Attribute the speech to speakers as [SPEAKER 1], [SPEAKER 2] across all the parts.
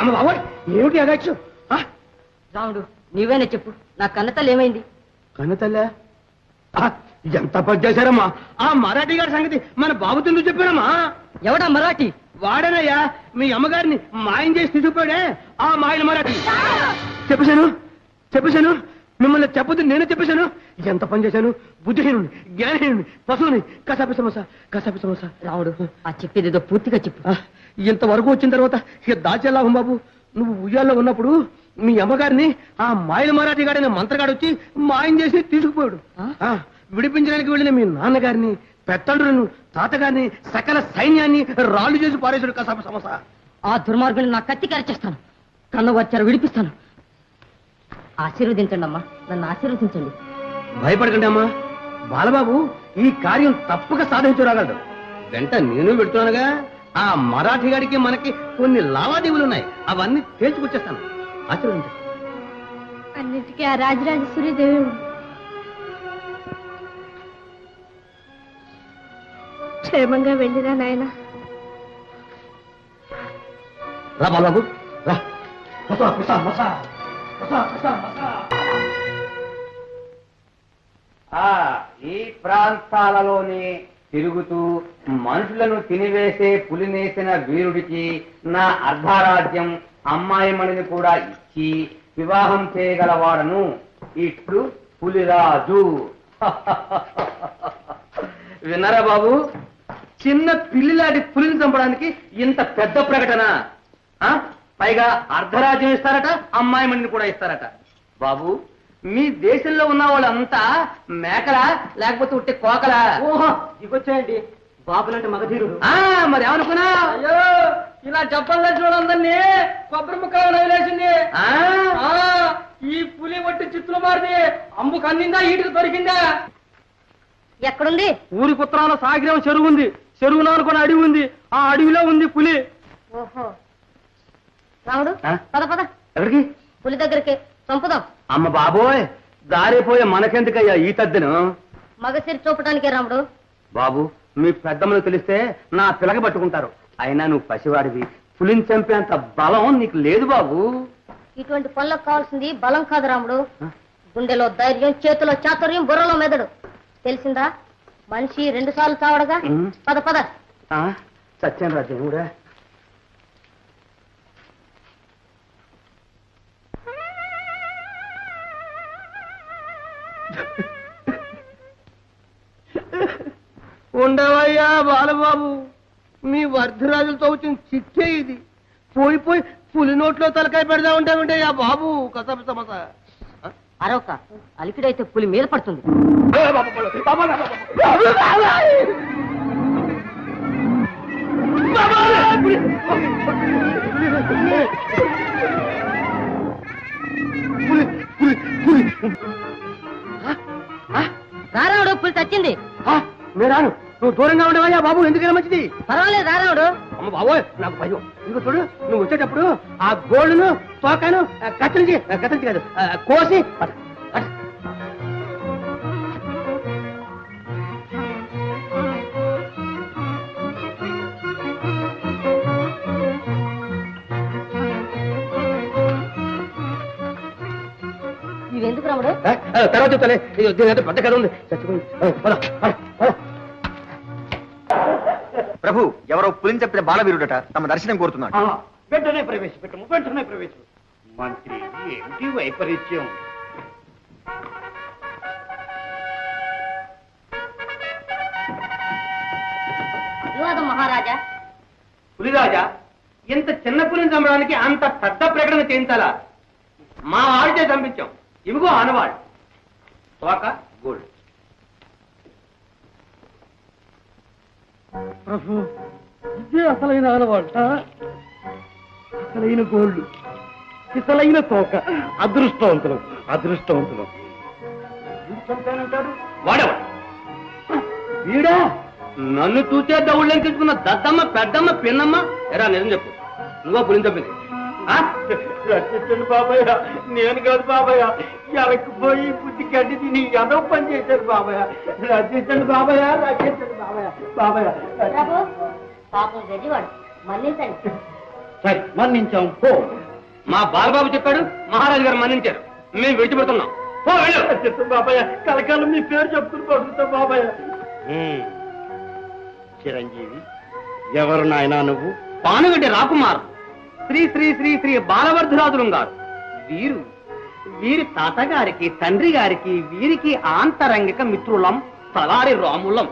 [SPEAKER 1] అమ్మ బాబోయ్, ఏమిటి అదక్షు?
[SPEAKER 2] రాముడు, నీవేనే చెప్పు, నా కన్నతల్లి ఏమైంది?
[SPEAKER 1] కన్నతల్లా? ఎంత పని చేశారమ్మా? ఆ మరాఠీ గారి సంగతి మన బాబుతో నువ్వు చెప్పానమ్మా.
[SPEAKER 2] ఎవడా మరాఠీ?
[SPEAKER 1] వాడనయ్యా, మీ అమ్మగారిని మాయం చేసి తీసుకుపోయాడే ఆ మాయల మరాఠీ. చెప్పేశాను మిమ్మల్ని చెప్పదు, నేనే చెప్పేశాను. ఎంత పని చేశాను? బుద్ధిహీనుని, జ్ఞానహీనుని, పశువుని. కసాపి సమోసా.
[SPEAKER 2] రాముడు, ఆ చెప్పేదేదో పూర్తిగా చెప్పు.
[SPEAKER 1] ఇంతవరకు వచ్చిన తర్వాత ఇక దాచేలాభం బాబు. నువ్వు ఉయ్యాల్లో ఉన్నప్పుడు మీ అమ్మగారిని ఆ మాయల మరాఠీ గాడైన మంత్రగాడు వచ్చి మాయం చేసి తీసుకుపోయాడు. విడిపించడానికి వెళ్ళిన మీ నాన్నగారిని, పెత్తండ్రులను, తాతగారిని, సకల సైన్యాన్ని రాళ్లు చేసి పారేశాడు కసాపి సమోసా.
[SPEAKER 2] ఆ దుర్మార్గుని నా కత్తి కరిచేస్తాను, కన్ను వచ్చారు విడిపిస్తాను. ఆశీర్వదించండి అమ్మా, నన్ను ఆశీర్వదించండి.
[SPEAKER 1] భయపడకండి అమ్మా, బాలబాబు ఈ కార్యం తప్పక సాధించరాగలడు. వెంట నేను పెడుతున్నానుగా. ఆ మరాఠీ గారికి మనకి కొన్ని లావాదేవీలు ఉన్నాయి, అవన్నీ తేల్చుకొచ్చేస్తాను. ఆశీర్వదించండి.
[SPEAKER 3] అన్నిటికీ ఆ రాజరాజేశ్వరి దేవుడు. క్షేమంగా వెళ్ళిరా నాయన.
[SPEAKER 1] రా బాలబాబు రా.
[SPEAKER 4] ఈ ప్రాంతాలలోని తిరుగుతూ మనుషులను తినివేసే పులినేసిన వీరుడికి నా అర్ధరాజ్యం అమ్మాయిమణిని కూడా ఇచ్చి వివాహం చేయగలవాడను. ఇట్లు పులిరాజు.
[SPEAKER 1] విన్నారా బాబు? చిన్న పిల్లిలాంటి పులిని చంపడానికి ఇంత పెద్ద ప్రకటన. పైగా అర్ధరాజ్యం ఇస్తారట, అమ్మాయిమణిని కూడా ఇస్తారట. బాబు, మీ దేశంలో ఉన్న వాళ్ళంతా మేకలా లేకపోతే ఉట్టి కోకలా? ఓహో, దిగొచ్చాయండి బాబులంటే మగధీరుడు. మరి ఏమనుకున్నా? అయ్యో, ఇలా చెప్పాలి చూడందరినీ కొబ్బరి ముక్కలు వదిలేసింది. ఈ పులి ఒట్టి చిత్తులు మారింది. అంబుకు అందిందా, ఈటికి దొరికిందా?
[SPEAKER 2] ఎక్కడుంది?
[SPEAKER 1] ఊరి పుత్రాల సాగిరం చెరువు ఉంది. చెరువున అనుకున్న అడవి ఉంది. ఆ అడవిలో ఉంది పులి.
[SPEAKER 2] ఓహో, రాముడు పద పద.
[SPEAKER 1] ఎవరికి?
[SPEAKER 2] పులి దగ్గరికి చంపుదాం.
[SPEAKER 1] అమ్మ బాబోయ్, దారిపోయే మనకెందుకయ్యా ఈ తద్దెను?
[SPEAKER 2] మగసిరి చూపడానికే రాముడు.
[SPEAKER 1] బాబు, మీ పెద్దమ్మలు తెలిస్తే నా పిలక పట్టుకుంటారు. అయినా నువ్వు పసివాడివి, పులిని చంపేంత బలం నీకు లేదు బాబు.
[SPEAKER 2] ఇటువంటి పనులకు కావాల్సింది బలం కాదు రాముడు, గుండెలో ధైర్యం, చేతిలో చాతుర్యం, బుర్రలో మెదడు. తెలిసిందా? మనిషి 2 సార్లు చావడగా. పద పద.
[SPEAKER 1] సత్యం రాజ్యం కూడా. ఉండవయ్యా బాలబాబు, మీ వర్ధరాజులతో వచ్చిన చిట్టే ఇది. పోయి పులి నోట్లో తలకాయ పెడదా ఉంటామంటే ఆ బాబు. కసప సమస
[SPEAKER 2] అరొక అలికిడైతే పులి మీద పడుతుంది. రారావుడు, పులి చచ్చింది.
[SPEAKER 1] నేను రాను, నువ్వు దూరంగా ఉండవయ్యా బాబు. ఎందుకైనా మంచిది.
[SPEAKER 2] పర్వాలేదు రారావుడు.
[SPEAKER 1] అమ్మ బాబోయ్, నాకు భయం. ఇంకో చూడు, నువ్వు వచ్చేటప్పుడు ఆ గోళ్ళను తోకాను కత్తిరించి కాదు కోసి
[SPEAKER 2] ఇవెందుకు రాముడు?
[SPEAKER 1] తర్వాత చెప్తానే, దీని పెద్ద కథ ఉంది. చచ్చిపోయి
[SPEAKER 4] ప్రభు, ఎవరో పులిని చెప్పిన బాలవీరుడట, తమ దర్శనం కోరుతున్నాడు.
[SPEAKER 1] వెంటనే ప్రవేశపెట్టము. మంత్రి, ఏమిటి వైపరీత్యం?
[SPEAKER 2] మహారాజా.
[SPEAKER 1] పులిరాజా, ఇంత చిన్న పులిని చంపడానికి అంత పెద్ద ప్రకటన చేయించాలా? మా వాడితే చంపించాం. ఇవిగో ఆనవాడు, తోక, గోల్డ్. ప్రభు, ఇదే అసలైన ఆనవాడు, అసలైన గోల్డ్, అసలైన తోక. అదృష్టవంతులు. వాడేవాడు వీడా? నన్ను చూసే దౌళ్ళని తీసుకున్న దద్దమ్మ, పెద్దమ్మ, పిన్నమ్మ. ఎరా నిజం చెప్పు, నువ్వా పులిని చెప్పింది? రక్షించండి బాబాయ్. నేను కాదు బాబాయ్, ఎలకపోయి బుద్ధి గడ్డి తిని ఏదో పని చేశారు బాబాయ్. రక్షించండి బాబాయ్.
[SPEAKER 2] పాపం గడివాడు, మన్నించండి.
[SPEAKER 5] సరే మన్నించాం పో.
[SPEAKER 1] మా బాలబాబు చెప్పాడు, మహారాజు గారు మన్నించారు, మేము విడిచిపెడుతున్నాం. పో వెళ్ళు.
[SPEAKER 5] బాబాయ్ కలకాలం మీ పేరు చెప్తున్నా పడుతుంటా బాబాయ్. చిరంజీవి ఎవరు నాయనా నువ్వు?
[SPEAKER 1] పానుగడ్డి రాకుమార్, శ్రీ శ్రీ శ్రీ శ్రీ బాలవర్ధరాజులు గారు. వీరి తాతగారికి, తండ్రి గారికి, వీరికి ఆంతరంగిక మిత్రులం, తలారి రాములం.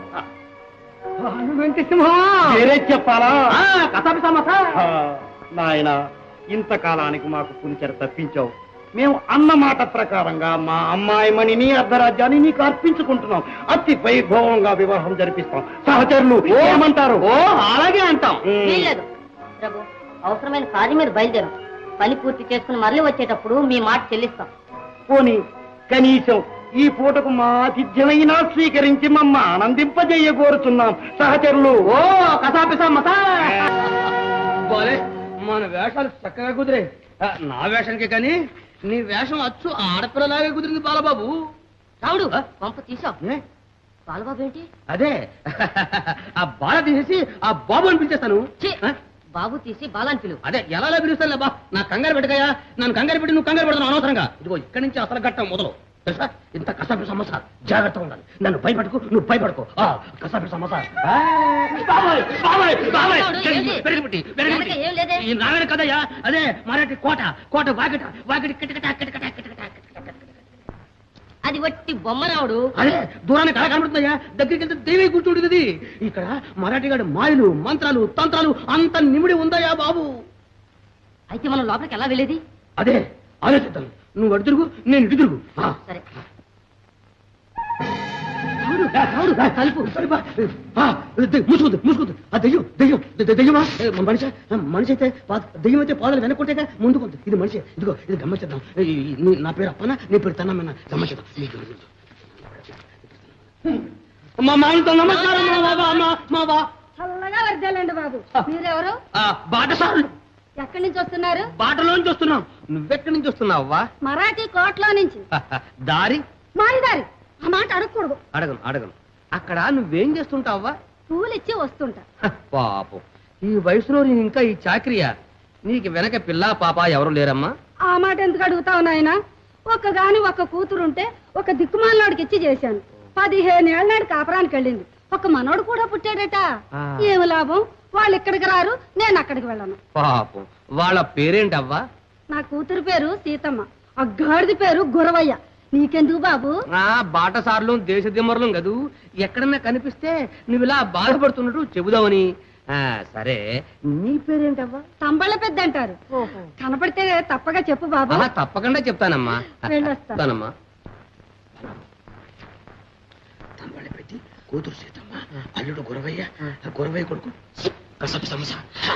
[SPEAKER 5] వేరే చెప్పాలా?
[SPEAKER 1] కసాపి సమస్య.
[SPEAKER 5] నాయన ఇంతకాలానికి మాకు పులిచెర తప్పించావు. మేము అన్న మాట ప్రకారంగా మా అమ్మాయి మణిని అర్ధరాజ్యాన్ని నీకు అర్పించుకుంటున్నాం. అతి వైభవంగా వివాహం జరిపిస్తాం. సహచరులు ఏమంటారు?
[SPEAKER 1] ఓ అలాగే అంటాం.
[SPEAKER 2] వీల్లేదు ప్రభు, అవసరమైన కార్యం మీద బయలుదేరం. పని పూర్తి చేసుకుని మళ్ళీ వచ్చేటప్పుడు మీ మాట చెల్లిస్తాం.
[SPEAKER 5] పోనీ కనీసం ఈ పూటకు మా ఆతిథ్యమైనా స్వీకరించి మమ్మ ఆనందింపజేయ కోరుతున్నాం. సహచరులు
[SPEAKER 1] ఓ కసాపి సమస్య. మన వేషాలు చక్కగా కుదిరే. నా వేషానికి కానీ నీ వేషం అచ్చు ఆడపిల్లలాగే కుదిరింది బాలబాబు.
[SPEAKER 2] రావుడు పంప తీసావు. బాలబాబు ఏంటి?
[SPEAKER 1] అదే ఆ బాల తీసేసి ఆ బాబు అని పిలిచేస్తాను.
[SPEAKER 2] ఛీ, బాబు తీసి బాలాన్ని పిలువు.
[SPEAKER 1] అదే ఎలా పిలుస్తాను బా. నా కంగారు పెట్టకయా, నన్ను కంగారు పెట్టి నువ్వు కంగారు పెడతాను అనవసరంగా. ఇదిగో ఇక్కడి నుంచి అసలు ఘట్టం మొదలు తెలుసా. ఇంత కసాపి సమస్య, జాగ్రత్తగా ఉండాలి. నన్ను భయపడకు, నువ్వు భయపడకు. కసాపి సమస్య.
[SPEAKER 2] ఏం లేదే.
[SPEAKER 1] ఈ నావేన కదయ్యా, అదే మరాఠీ కోట, కోట వాకిట వాకిటి కిటకిట కిటకిట కిటకిట కిటకిట.
[SPEAKER 2] అది వట్టి బొమ్మ రావుడు.
[SPEAKER 1] అదే దూరానికి కళ కనబడుతుందయ్యా, దగ్గరికి వెళ్తే దేవి కూర్చుంటుంది. ఇక్కడ మరాఠీగాడి మాయలు, మంత్రాలు, తంత్రాలు అంత నిమిడి ఉందయ్యా బాబు.
[SPEAKER 2] అయితే మనం లోపలికి ఎలా వెళ్ళేది?
[SPEAKER 1] అదే ఆలోచిద్దాం. నువ్వు అటు తిరుగు, నేను ఇటు తిరుగు.
[SPEAKER 2] సరే.
[SPEAKER 1] మూసుకుంది మూసుకుంది. ఆ దెయ్యం దెయ్యం దెయ్యమా మనిషి? మనిషి అయితే దెయ్యం అయితే పాదాలు వెనక్కుంటే ముందుకుంది. ఇది మనిషి. ఇదిగో ఇది గమ్మచేద్దాం. నా పేరు అప్పన, నీ పేరు తన్నమ్మన్న. గమ్మచేద్దాం. మా మామతో నమస్కారం. మా బా
[SPEAKER 3] చల్లగా వర్దాలండి బాబు. మీరెవరు?
[SPEAKER 1] బాటసారులు.
[SPEAKER 3] ఎక్కడి నుంచి వస్తున్నారు?
[SPEAKER 1] బాటలోంచి వస్తున్నాం. నువ్వెక్కడి నుంచి వస్తున్నావా?
[SPEAKER 3] మరాఠీ కోటలో నుంచి.
[SPEAKER 1] దారి
[SPEAKER 3] మారిదారి. ఆ మాట అడగకూడదు.
[SPEAKER 1] అడగను అడగను. అక్కడ నువ్వేం చేస్తుంటావా?
[SPEAKER 3] పూలు ఇచ్చి వస్తుంటా.
[SPEAKER 1] పాపం, ఈ వయసులో నేను ఇంకా ఈ చాకరియా? నీకు వెనక పిల్ల పాప ఎవరు లేరమ్మా?
[SPEAKER 3] ఆ మాట ఎందుకు అడుగుతావు నాయన? ఒక్క కూతురుంటే ఒక దిక్కుమాలనాడికి ఇచ్చి చేశాను. 15 ఏళ్ల నాడు కాపురానికి వెళ్ళింది. ఒక మనోడు కూడా పుట్టాడట. ఏమి లాభం? వాళ్ళు ఇక్కడికి రారు, నేను అక్కడికి వెళ్ళను.
[SPEAKER 1] పాపం, వాళ్ళ పేరేంటవ్వా?
[SPEAKER 3] నా కూతురు పేరు సీతమ్మ, ఆ గాడిది పేరు గురవయ్య. నీకెందుకు బాబు?
[SPEAKER 1] బాటసార్లు దేశ దిమ్మరులు కదూ, ఎక్కడన్నా కనిపిస్తే నువ్వు ఇలా బాధపడుతున్నట్టు చెబుదామని. సరే, నీ పేరేంటవ్వా?
[SPEAKER 3] తంబళ్ళ పెద్ద అంటారు. కనపడితే తప్పగా చెప్పు బాబు.
[SPEAKER 1] తప్పకుండా చెప్తానమ్మా.
[SPEAKER 3] వెళ్ళొస్తానమ్మా.
[SPEAKER 1] తంబళ్ళ పెట్టి కూతురు సీతమ్మ, అల్లుడు గురవయ్య, గురవయ్య కొడుకు కసాపి సమస్య.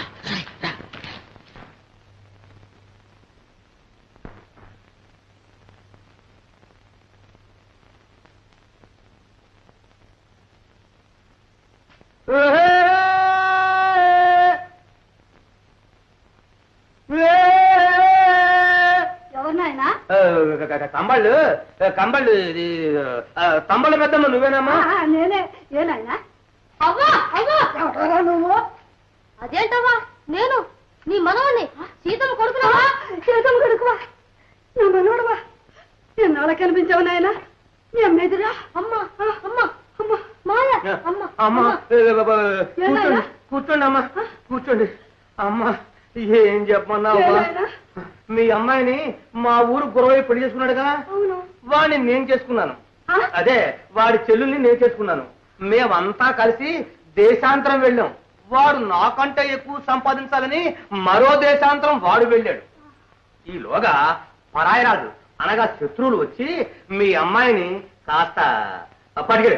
[SPEAKER 3] ఎవరు నాయనా?
[SPEAKER 1] కంబళ్ళు కంబళ్ళు తంబళ్ళ పెద్దమ్మ నువ్వేనమ్మా?
[SPEAKER 3] నేనే. ఏనాయనా? అవ్వా అవ్వా, ఎవరా నువ్వు?
[SPEAKER 2] అదేంటవ్వా, నేను నీ మనవణ్ణి, సీతమ్మ కొడుకునవా?
[SPEAKER 3] సీతమ్మ కొడుకువా? నా మనోడువా? ఎన్నాళ్ళ కనిపించావు నాయనా? నీ అమ్మేదిరా?
[SPEAKER 2] అమ్మా అమ్మా అమ్మా మాయ అమ్మా
[SPEAKER 1] అమ్మా కూర్చోండి కూర్చోండి అమ్మా కూర్చోండి. అమ్మా ఏం చెప్పమన్నావమ్మా? మీ అమ్మాయిని మా ఊరు గురవయ్య పెళ్లి చేసుకున్నాడుగా, వాడిని నేను చేసుకున్నాను. అదే వాడి చెల్లుల్ని నేను చేసుకున్నాను. మేమంతా కలిసి దేశాంతరం వెళ్ళాం. వాడు నాకంటే ఎక్కువ సంపాదించాలని మరో దేశాంతరం వాడు వెళ్ళాడు. ఈలోగా పరాయరాజు అనగా శత్రువులు వచ్చి మీ అమ్మాయిని కాస్త పడిగాడు.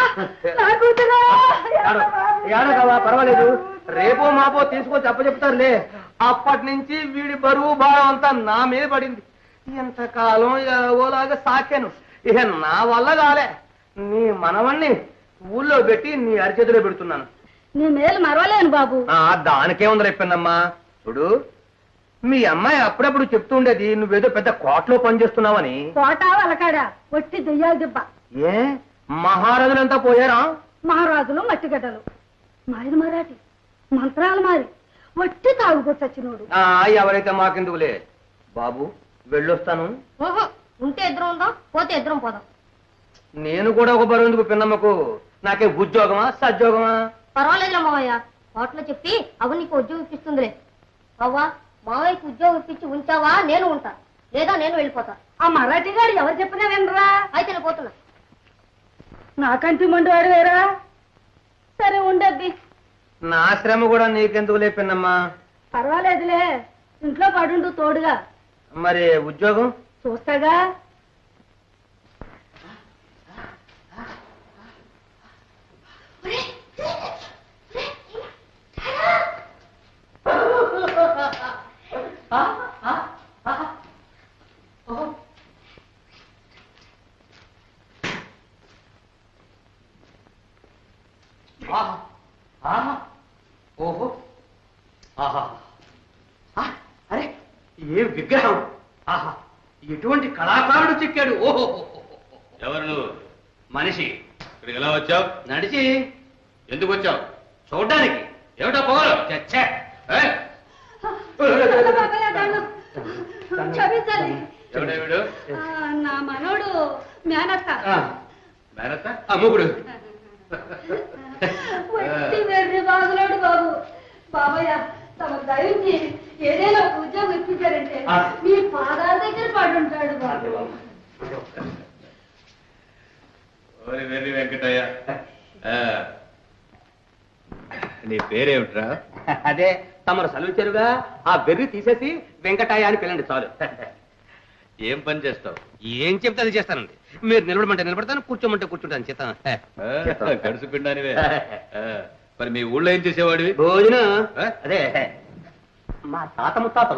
[SPEAKER 1] ఏడగవా, పర్వాలేదు, రేపో మాపో తీసుకొచ్చి అప్పచెప్తారులే. అప్పటి నుంచి వీడి బరువు భారం అంతా నా మీద పడింది. ఎంతకాలం ఓలాగా సాకాను. ఇక నా వల్ల కాలే. నీ మనవణ్ణి ఊళ్ళో పెట్టి నీ అరిచేతిలో పెడుతున్నాను.
[SPEAKER 3] నీ మేలు మరవలేను బాబు.
[SPEAKER 1] దానికే ఉంది రేపన్నమ్మా. చూడు, మీ అమ్మాయి అప్పుడప్పుడు చెప్తూ ఉండేది నువ్వేదో పెద్ద కోటలో పనిచేస్తున్నావని.
[SPEAKER 3] కోట వలకాడా ఒట్టి దెయ్యాలు దిబ్బ.
[SPEAKER 1] ఏ మహారాజులంతా పోయారా?
[SPEAKER 3] మహారాజులు మట్టిగడ్డలు, మాది మరాఠీ మంత్రాలు మారి వట్టి తాగుకొచ్చినోడు.
[SPEAKER 1] ఎవరైతే మాకెందుకులే బాబు, వెళ్ళొస్తాను.
[SPEAKER 2] ఓహో, ఉంటే ఇద్దరం ఉందాం, పోతే ఇద్దరం పోదాం.
[SPEAKER 1] నేను కూడా ఒక బరువుందుకు పిన్నమ్మకు. నాకే ఉద్యోగమా సద్యోగమా?
[SPEAKER 2] పర్వాలేదులే మావయ్య, హోటల్లో చెప్పి అవి నీకు ఉద్యోగం ఇప్పిస్తుందిలే. అవ్వా, మావయ్యకి ఉద్యోగం ఇప్పించి ఉంచావా నేను ఉంటా, లేదా నేను వెళ్ళిపోతా.
[SPEAKER 3] ఆ మరాఠీ గారు ఎవరు చెప్పినా వినరా?
[SPEAKER 2] అయితే నేను పోతున్నా.
[SPEAKER 3] నాకంటి మండివాడు వేరా? సరే ఉండబ్బి.
[SPEAKER 1] నా శ్రమ కూడా నీకెందుకులే పిన్నమ్మా.
[SPEAKER 3] పర్వాలేదులే, ఇంట్లో పడుండు తోడుగా.
[SPEAKER 1] మరి ఉద్యోగం
[SPEAKER 3] చూస్తాగా.
[SPEAKER 1] ఓహో, అరే ఏ విగ్రహం! ఆహా, ఎటువంటి కళాకారుడు చెక్కాడు! ఓహో,
[SPEAKER 6] ఎవరు నువ్వు?
[SPEAKER 1] మనిషి.
[SPEAKER 6] ఇక్కడికి ఎలా వచ్చావు?
[SPEAKER 1] నడిచి.
[SPEAKER 6] ఎందుకు వచ్చావు?
[SPEAKER 1] చూడ్డానికి.
[SPEAKER 6] ఏమిటా పొగరు?
[SPEAKER 1] చచ్చే.
[SPEAKER 3] క్షమించాలి.
[SPEAKER 6] ఎవడే వీడు?
[SPEAKER 3] నా మనోడు మేనత్త.
[SPEAKER 6] మేనత్త?
[SPEAKER 1] అమ్ముకుడు.
[SPEAKER 3] వట్టి వెర్రి బాగులోడు బాబు. బాబయ్య, తమ దయించి ఏదైనా ఒక ఉద్యోగం ఇప్పించారంటే మీ పాదాల దగ్గర పడుంటాడు బాబు.
[SPEAKER 6] ఓరి వెర్రి వెంకటయ్య. నీ పేరేమిట్రా?
[SPEAKER 1] అదే తమరు సెలవిచ్చారుగా, ఆ వెర్రి తీసేసి వెంకటాయ అని పిల్లండి చాలు.
[SPEAKER 6] ఏం పని చేస్తావు?
[SPEAKER 1] ఏం చెప్తే అది చేస్తానండి. మీరు నిలబడమంటే నిలబడతాను, కూర్చోమంటే కూర్చుంటాను. చేస్తాను.
[SPEAKER 6] గడుసు పిండానివే. మరి మీ ఊళ్ళో ఏం చేసేవాడివి?
[SPEAKER 1] భోజనం.
[SPEAKER 6] ఆ?
[SPEAKER 1] అదే మా తాత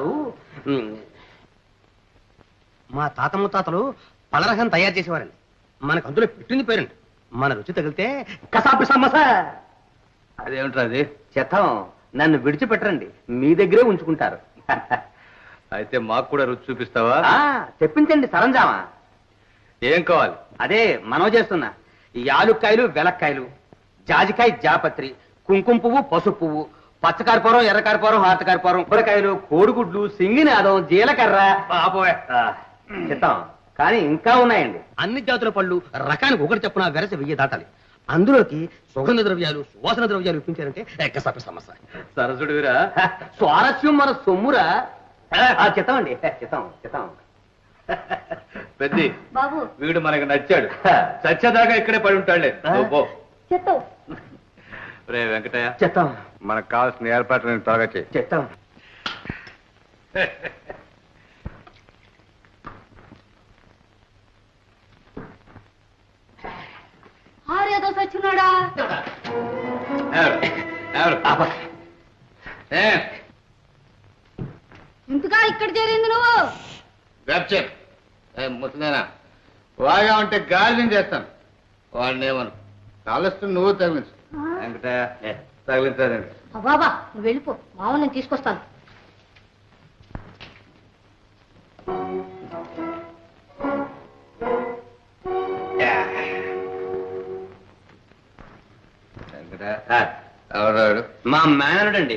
[SPEAKER 1] ముత్తాతలు పలరహం తయారు చేసేవారండి. మనకు అందులో పెట్టింది పేరండి. మన రుచి తగిలితే కసాపి సమస్య.
[SPEAKER 6] అదేమిట్రా అది?
[SPEAKER 1] చెత్తం. నన్ను విడిచిపెట్టరండి, మీ దగ్గరే ఉంచుకుంటారు.
[SPEAKER 6] అయితే మాకు కూడా రుచి చూపిస్తావా?
[SPEAKER 1] చెప్పించండి సరంజామా.
[SPEAKER 6] ఏం కావాలి?
[SPEAKER 1] అదే మనవ చేస్తున్నా. యాలుక్కాయలు, వెలక్కాయలు, జాజికాయ, జాపత్రి, కుంకుమ పువ్వు, పసుపు పువ్వు, పచ్చకారపురం, ఎర్రకారపురం, హాతకారపురం, కూరకాయలు, కోడిగుడ్లు, సింగినాదం, జీలకర్ర. చెప్తాం. కానీ ఇంకా ఉన్నాయండి. అన్ని జాతుల పళ్ళు రకానికి ఒకటి చెప్పున వెరసి 1000 దాటాలి. అందులోకి సుగంధ ద్రవ్యాలు, సువాసన ద్రవ్యాలు ఇప్పించారంటే ఎక్కసాపి సమస్య.
[SPEAKER 6] సరసుడివిరా.
[SPEAKER 1] స్వారస్యం మన సొమ్మురా. చెత్తామండి, చెత్తాం.
[SPEAKER 6] పెద్ది,
[SPEAKER 2] బాబు,
[SPEAKER 6] వీడు మనకు నచ్చాడు. చచ్చేదాకా ఇక్కడే పడి ఉంటాడులే. నువ్వు పో.
[SPEAKER 2] చెత్తం.
[SPEAKER 6] రే వెంకటయ్య,
[SPEAKER 1] చెత్తాం.
[SPEAKER 6] మనకు కావాల్సిన ఏర్పాట్లు త్వరగా చేయి.
[SPEAKER 1] చెత్తాం.
[SPEAKER 3] ఆరేదో సచ్చినాడా? ఇంతగా ఇక్కడ చేరింది నువ్వు?
[SPEAKER 6] ముసలేనా వాగా ఉంటే గాలి చేస్తాను. వాడిని ఏమను కాలుస్తూ నువ్వు తగిలించు. వెంకటయ్య తగిలించాలండి.
[SPEAKER 2] బాబా, నువ్వు వెళ్ళిపో, మావ నేను తీసుకొస్తాను.
[SPEAKER 6] ఎవరాడు?
[SPEAKER 1] మా మేనరుడు అండి.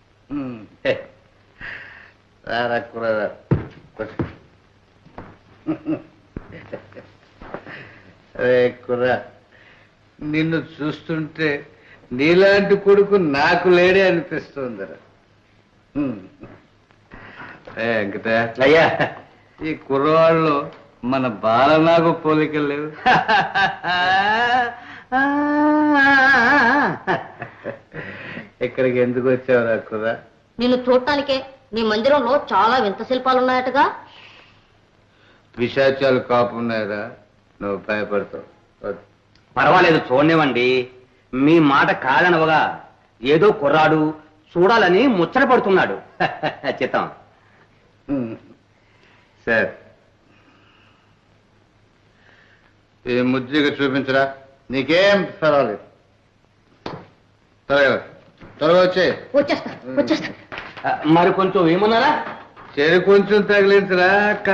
[SPEAKER 6] అరే కుర్రా, నిన్ను చూస్తుంటే నీలాంటి కొడుకు నాకు లేడే అనిపిస్తుందిరా. వెంకటయ్య,
[SPEAKER 1] అయ్యా,
[SPEAKER 6] ఈ కుర్రవాళ్ళు మన బాలనాగు పోలికలు లేవు. ఇక్కడికి ఎందుకు వచ్చావురా కుర్రా?
[SPEAKER 2] నిన్ను చూడటానికే. నీ మందిరంలో చాలా వింత శిల్పాలు ఉన్నాయటగా.
[SPEAKER 6] పిశాచాలు కాపున్నాయిరా, నువ్వు భయపడతావు.
[SPEAKER 1] పర్వాలేదు, చూడనివ్వండి. మీ మాట కాదనవగా ఏదో కుర్రాడు చూడాలని ముచ్చట పడుతున్నాడు. చిత్తం.
[SPEAKER 6] సరే, ఈ ముద్రిక చూపించరా. నీకేం పర్వాలేదు. త్వరగా వచ్చే.
[SPEAKER 2] వచ్చేస్తా.
[SPEAKER 1] మరి కొంచెం ఏమన్నారా?
[SPEAKER 6] చెరి కొంచెం తగిలించరా.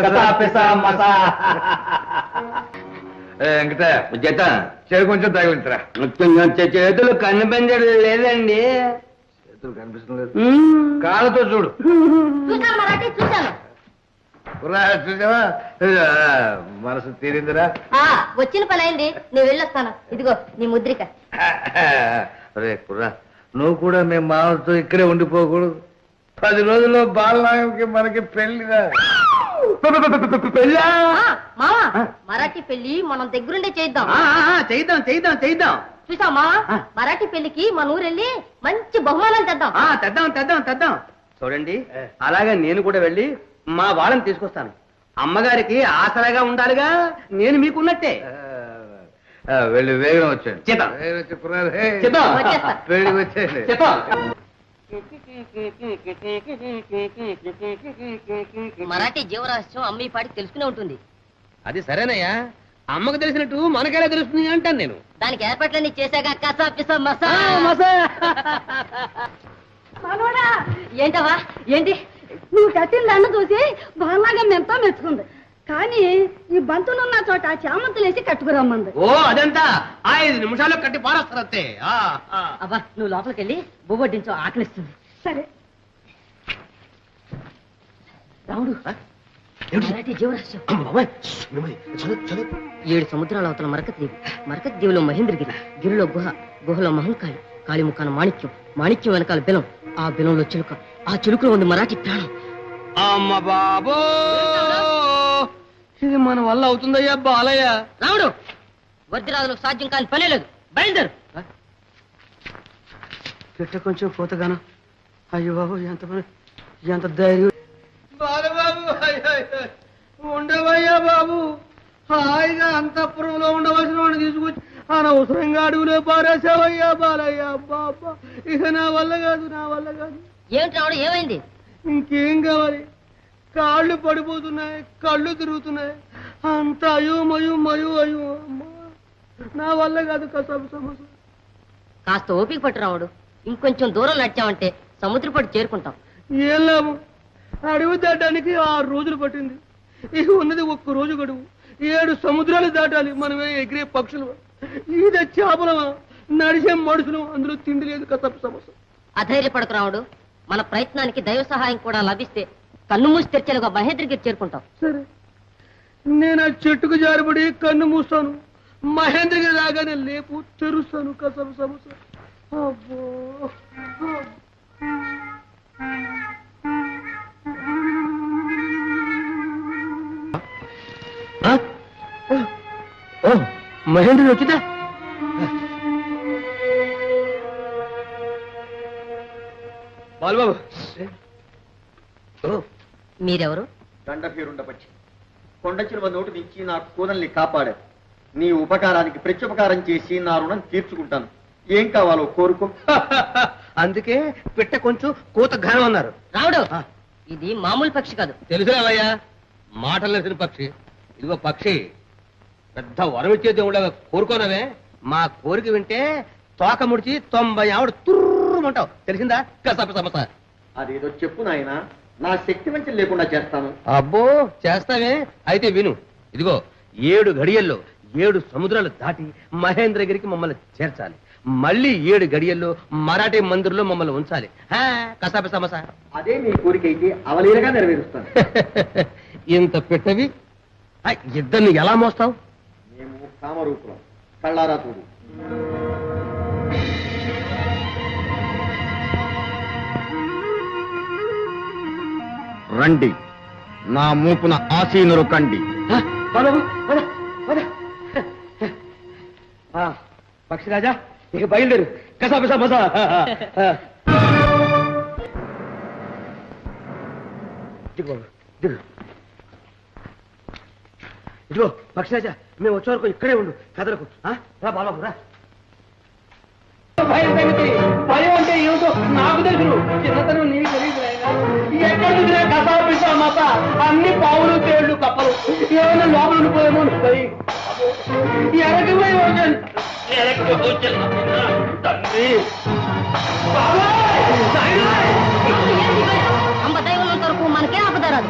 [SPEAKER 6] వెంకటయ్య,
[SPEAKER 1] జత
[SPEAKER 6] చెరి కొంచెం తగిలించరా.
[SPEAKER 1] చేతులు కనిపించడం లేదండి.
[SPEAKER 6] చేతులు కనిపిస్తుంది కాళ్ళతో చూడు
[SPEAKER 2] చూశాను మరాఠీ చూశాను.
[SPEAKER 6] చూసావా మనసు తీరిందిరా
[SPEAKER 2] వచ్చిన పని అయింది, నేను వెళ్ళొస్తాను. ఇదిగో నీ ముద్రిక.
[SPEAKER 6] రే కుర్రా, నువ్వు కూడా మేము మామతో ఇక్కడే ఉండిపోకూడదు. 10 రోజుల్లో బాలనాగంకి మనకి పెళ్లిరా.
[SPEAKER 1] పెళ్ళా?
[SPEAKER 2] మావా మరాఠీ పెళ్లి మనం దగ్గరుండే చేద్దాం.
[SPEAKER 1] చేద్దాం చేద్దాం చేద్దాం.
[SPEAKER 2] చూసామా మరాఠీ పెళ్లికి మన ఊరెళ్ళి మంచి బహుమానాలు తెద్దాం.
[SPEAKER 1] తెద్దాం తెద్దాం తెద్దాం. చూడండి, అలాగే నేను కూడా వెళ్ళి మా వాళ్ళని తీసుకొస్తాను. అమ్మగారికి ఆసరాగా ఉండాలిగా, నేను మీకున్నట్టే.
[SPEAKER 6] వెళ్ళి వేగం వచ్చాను
[SPEAKER 1] చేద్దాం.
[SPEAKER 6] చేద్దాం.
[SPEAKER 2] వచ్చేస్తా.
[SPEAKER 6] పెళ్లికి వచ్చేయండి.
[SPEAKER 1] చెప్పా.
[SPEAKER 2] మరాఠీ జీవరహస్యం అమ్మ ఈ పాటికి తెలుసుకునే ఉంటుంది.
[SPEAKER 1] అది సరేనయ్యా, అమ్మకు తెలిసినట్టు మనకెలా తెలుస్తుంది అంటాను నేను.
[SPEAKER 2] దానికి ఏర్పాట్లన్నీ చేశాక కసా పిసా మసా.
[SPEAKER 3] మనోడా,
[SPEAKER 2] ఏంటవా ఏంటి?
[SPEAKER 3] నువ్వు కట్టిన దండ చూసి బాగా ఎంతో మెచ్చుకుంది. కానీ ఈ బంతులున్న చోట చామంతులేసి కట్టుకురమ్మంది.
[SPEAKER 1] ఓ అదంతా 5 నిమిషాల్లో కట్టి పారేస్తారంతే.
[SPEAKER 2] అబ్బా నువ్వు లోపలికి వెళ్ళి బొబ్బొడ్డించో, ఆకలిస్తుంది.
[SPEAKER 3] సరే
[SPEAKER 2] రాముడు, మరాఠీ జీవరహస్యం 7 సముద్రాల అవతల మరకత్ దీవి, మరకత్ దీవిలో మహేంద్రగిరి, గిరిలో గుహ, గుహలో మహంకాళి, కాళీ ముఖాన మాణిక్యం, మాణిక్యం వెనకాల బెలం, ఆ బెలంలో చిలుక, ఆ చిలుకలో ఉంది మరాఠీ ప్రాణం.
[SPEAKER 1] అమ్మ బాబో, ఇది మన వల్ల అవుతుందయ్యా బాలయ్య.
[SPEAKER 2] రాముడు, వజ్రాదులకు సాధ్యం కాని పనే లేదు, బయలుదేరు.
[SPEAKER 1] పెట్ట కొంచెం పోతగాను. అయ్యో బాబు, ఎంత ధైర్యం. బాలబాబు ఉండవయ్యా బాబు, హాయిగా అంతఃపురంలో ఉండవలసిన వాడిని తీసుకొచ్చి అనవసరంగా అడుగులో పారేసావయ్యా బాలయ్య. బాబా, ఇక నా వల్ల కాదు, నా వల్ల కాదు.
[SPEAKER 2] ఏమిటి రాముడు, ఏమైంది?
[SPEAKER 1] ఇంకేం కావాలి? కాళ్ళు పడిపోతున్నాయి, కళ్ళు తిరుగుతున్నాయి, అంత అయ్యో అమ్మా, నా వల్ల కాదు. కసపు సమస్య.
[SPEAKER 2] కాస్త ఓపిక పట్టు రాముడు, ఇంకొంచెం దూరం నడిచామంటే సముద్రపడి చేరుకుంటాం.
[SPEAKER 1] ఏం లాభం? అడవి దాటానికి 6 రోజులు పట్టింది. ఇక ఉన్నది 1 రోజు గడువు. 7 సముద్రాలు దాటాలి. మనమే ఎగిరే పక్షులు, ఈద చేపలమా, నడిచే మనుషులు, అందులో తిండి లేదు. కసపు సమస్య.
[SPEAKER 2] అధైర్యపడకు రాముడు, మన ప్రయత్నానికి దైవ సహాయం కూడా లభిస్తే కన్ను మూసి తెరిచేలుగా మహేంద్రగిరి చేరుకుంటాం.
[SPEAKER 1] సరే, నేను ఆ చెట్టుకు జారిపడి కన్ను మూస్తాను. మహేంద్రగిరి రాగానే లేపు తెరుస్తాను. కసపు సమస్య. అబ్బో, మహేంద్రుడు వచ్చిందా? బాలబాబు,
[SPEAKER 2] మీరెవరు?
[SPEAKER 4] దండభీరుండపచ్చి కొండ చిలువ నోటు నుంచి నా కూదల్ని కాపాడారు. నీ ఉపకారానికి ప్రత్యుపకారం చేసి నా రుణం తీర్చుకుంటాను. ఏం కావాలో కోరుకో.
[SPEAKER 1] అందుకే పిట్ట కొంచెం కూత ఘనం అన్నారు.
[SPEAKER 2] రాముడు, ఇది మామూలు పక్షి కాదు.
[SPEAKER 1] తెలుసురావయ్యా, మాటలు తెలిసిన పక్షి. ఇదిగో పక్షి, పెద్ద వరం ఇచ్చే దేవుళ్ళగా కోరుకోనవే. మా కోరిక వింటే తోక ముడిచి 90 ఆవిడ తుర్రుమంటావు. తెలిసిందా? కసపు సమస్య.
[SPEAKER 4] అదేదో చెప్పు నాయనా, నా శక్తి వంచన లేకుండా చేస్తాను.
[SPEAKER 1] అబ్బో, చేస్తావే? అయితే విను. ఇదిగో 7 గడియల్లో 7 సముద్రాలు దాటి మహేంద్రగిరికి మమ్మల్ని చేర్చాలి. మళ్ళీ 7 గడియల్లో మరాఠీ మందిర్లో మమ్మల్ని ఉంచాలి. కసాప సమస్య.
[SPEAKER 4] అదే మీ కోరిక అయితే అవలీలగా నెరవేరుస్తాను.
[SPEAKER 1] ఇంత పెట్టవి ఇద్దరిని ఎలా మోస్తావు?
[SPEAKER 4] మేము కామరూపులం, కళ్ళారా చూడు. రండి, నా మూపున ఆసీనురు కండి.
[SPEAKER 1] పక్షిరాజా, ఇక బయలుదేరు. కసాప సమస్య. ఇదిగో పక్షిరాజా, మేము వచ్చే వరకు ఇక్కడే ఉండు, కదలకు. రా బాబాబు, రా. భయం సంగతి, భయం అంటే ఏమిటో నాకు తెలుసు. చిన్నతనం నీకు తెలియదు. ఎక్కడ చూసినా కసాపిసా మత, అన్ని పావులు, తేళ్లు, కప్పలు. ఏమైనా లోపల ఉండిపోయేమో భయం. ఎరకపోయి వచ్చాను, ఎరకపోయి వచ్చాను తండ్రి.
[SPEAKER 2] అంబ దైవం వరకు మనకే ఆపదారాదు.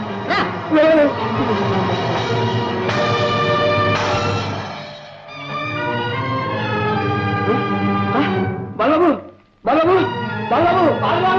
[SPEAKER 1] బాబాబు, బాబాబు, బాబాబు, బాబా.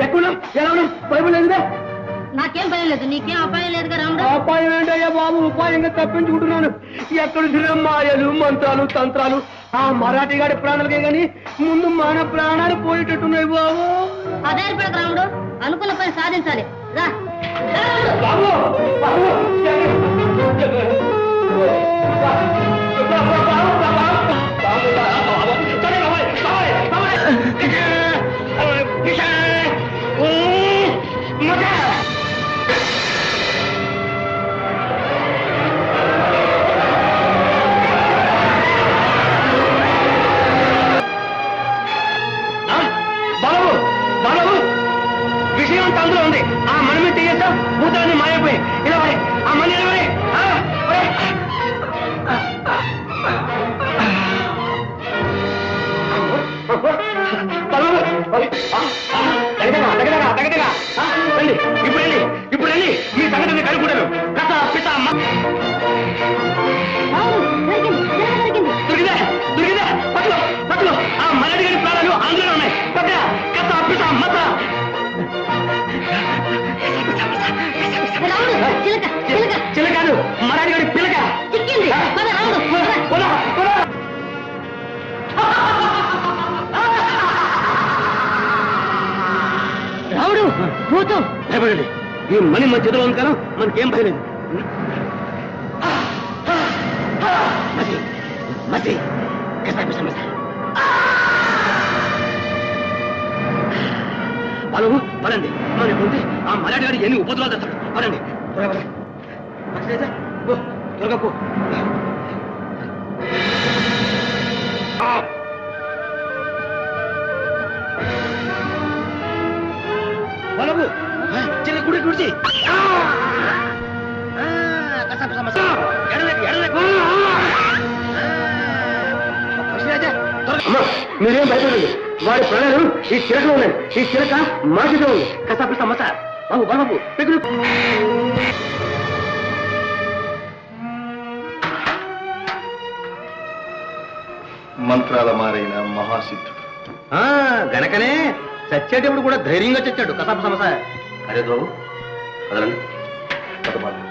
[SPEAKER 1] ఎక్కడున్నాం ఎలా ఉన్నాం బైబుల్ లేదుగా
[SPEAKER 2] నాకేం భయం లేదు నీకేం అపాయం లేదుగా రాముడు
[SPEAKER 1] అపాయం ఏంటయ్యా బాబు ఉపాయంగా తప్పించుకుంటున్నాను ఎక్కడ తిరిగిన మాయలు మంత్రాలు తంత్రాలు ఆ మరాఠీ గాడి ప్రాణాలకే గాని ముందు మన ప్రాణాలు పోయేటట్టున్నాయి బాబు
[SPEAKER 2] అదే రాముడు అనుకున్న పని సాధించాలి రా
[SPEAKER 1] బాబు బాబు బాబు బాబు విషయం అంతా అందులో ఉంది ఆ మనమే తీయేస్తాం భూతాన్ని మాయపోయి ఇలా ఆ మనీ ఇప్పుడు వెళ్ళి మీ సంగతిని కనుక్కుంటాను కథ పిత దొరికిందే దొరికిందే పట్టుకో పట్టుకో ఆ మలడి గారి ప్రాణాలు అందులో ఉన్నాయి పక్క కథ పిత మత చిలకాదు మరాఠీ గారి పిలక
[SPEAKER 2] చిక్కింది పద రాముడు రాముడు భూతం
[SPEAKER 1] భయపడండి ఈ మనీ మన చేతిలో ఉంది కదా మనకేం భయలేదు మసి మసి వాళ్ళు పదండి మనం ఉంటే ఆ మరాఠీ గారు ఎన్ని ఉపద్రవాలు తెస్తాడు పదండి త్వరగా పో బాబు చిన్న గుడి గుడిచి మీరేం భయపడండి వాడి ప్రాణాలు ఈ చిలకలో ఉన్నాయి ఈ చిలక మా చేతిలో ఉంది కసాపి సమస్య బాబు బాబు పెగులు
[SPEAKER 6] మంత్రాల మారైన మహాసిద్ధుడు
[SPEAKER 1] గనకనే చచ్చేటప్పుడు కూడా ధైర్యంగా చచ్చాడు కసాప సమస్య అరే బాబు వదలండి